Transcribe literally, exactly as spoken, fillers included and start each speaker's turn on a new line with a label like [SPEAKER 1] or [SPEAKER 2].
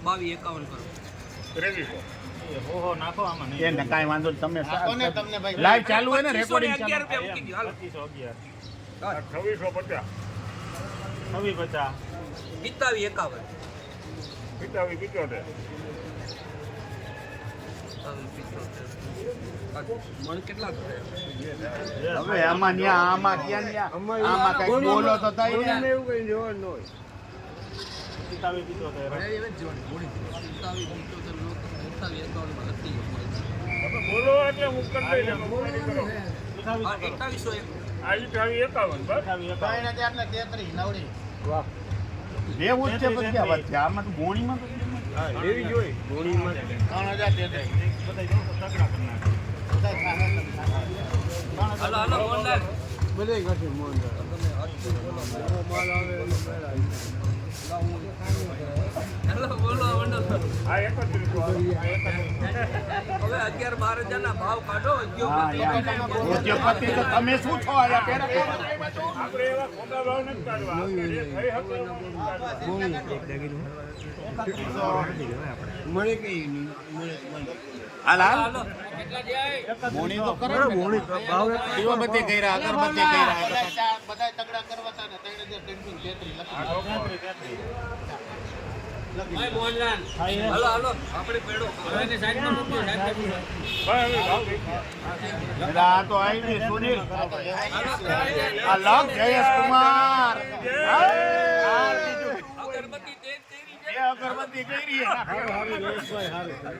[SPEAKER 1] બાવીસ એકાવન કરો
[SPEAKER 2] ત્રેવીસો
[SPEAKER 3] ઓહો નાખો આમાં
[SPEAKER 4] એ ને કાંઈ વાંધો નહીં. તમે
[SPEAKER 5] કોને તમને ભાઈ
[SPEAKER 4] લાઈવ ચાલુ હોય ને
[SPEAKER 1] પચીસો ને
[SPEAKER 4] રેકોર્ડિંગ
[SPEAKER 1] અગિયાર
[SPEAKER 4] ચાલુ.
[SPEAKER 1] રૂપિયા મૂકી દો હાલો
[SPEAKER 3] પચીસો અગિયાર
[SPEAKER 2] છવ્વીસો પચાસ
[SPEAKER 3] છવ્વીસ પચાસ
[SPEAKER 1] પિસ્તાવીસ એકાવન
[SPEAKER 2] પિતાવી પિત્યોતેર
[SPEAKER 1] મણ કેટલા થયા
[SPEAKER 4] હવે આમાં ન્યા આમાં ક્યાં ન્યા આમાં કઈ બોલો તો થાય ને.
[SPEAKER 5] એવું કઈ જોવાનું ન હોય
[SPEAKER 3] પિસ્તાવીસ પિત્યોતેર
[SPEAKER 2] તમે બોલો એટલે હું કરી દઈ એટલે મોબાઈલ કરો
[SPEAKER 1] એકતાવીસો
[SPEAKER 2] આ અઠાવી એકાવન બસ
[SPEAKER 5] ત્રણ હજાર ને તેત્રીસ નવડી
[SPEAKER 3] વાહ
[SPEAKER 4] લેવું જ છે પછી ક્યાં વાત છે આમાં તો ગોણીમાં તો
[SPEAKER 5] હા લેવી જોઈએ ગોળીમાં ત્રણ હજાર તેત્રીસ
[SPEAKER 3] બધા જો તગડા કરી નાખે
[SPEAKER 1] હાલો હાલો મોહનલાલ
[SPEAKER 5] બધે ઘટી મોન માલ આવે એનો પહેલા
[SPEAKER 1] હાલો બોલો મંડળ
[SPEAKER 2] આ એકત્રીસો આ એકત્રીસો
[SPEAKER 1] હવે અગિયાર બાર હજાર ના ભાવ કાઢો
[SPEAKER 4] હા યાર ઉદ્યોગપતિ તો તમે શું છો આયા પેરા
[SPEAKER 2] આપણે એવા ખોટા ભાવ નથી કાઢવા આપણે જે થઈ શકે એવા કાઢવા.
[SPEAKER 5] મળે કઈ નહીં મળે
[SPEAKER 4] હાલ હાલ
[SPEAKER 1] હાલો
[SPEAKER 4] મોણી તો કરો ને મોણી ભાવ દીવાબત્તી કર્યા અગરબત્તી કર્યા
[SPEAKER 5] બધા તગડા કરવા હતા ને ત્રણ હજાર ત્રણસો તેત્રીસ લખી
[SPEAKER 1] હાલો હાલો આપણે પેડો હવે સાઈડમાં મૂકો સાઈડમાં
[SPEAKER 2] ભાઈ હવે ભાવ થઈ ગયા.
[SPEAKER 4] આ તો આવી સુનિલ આ લગ જયેશ કુમાર આ બીજું
[SPEAKER 1] અગરબત્તી તેજ તેરી
[SPEAKER 4] એ અગરબત્તી કરી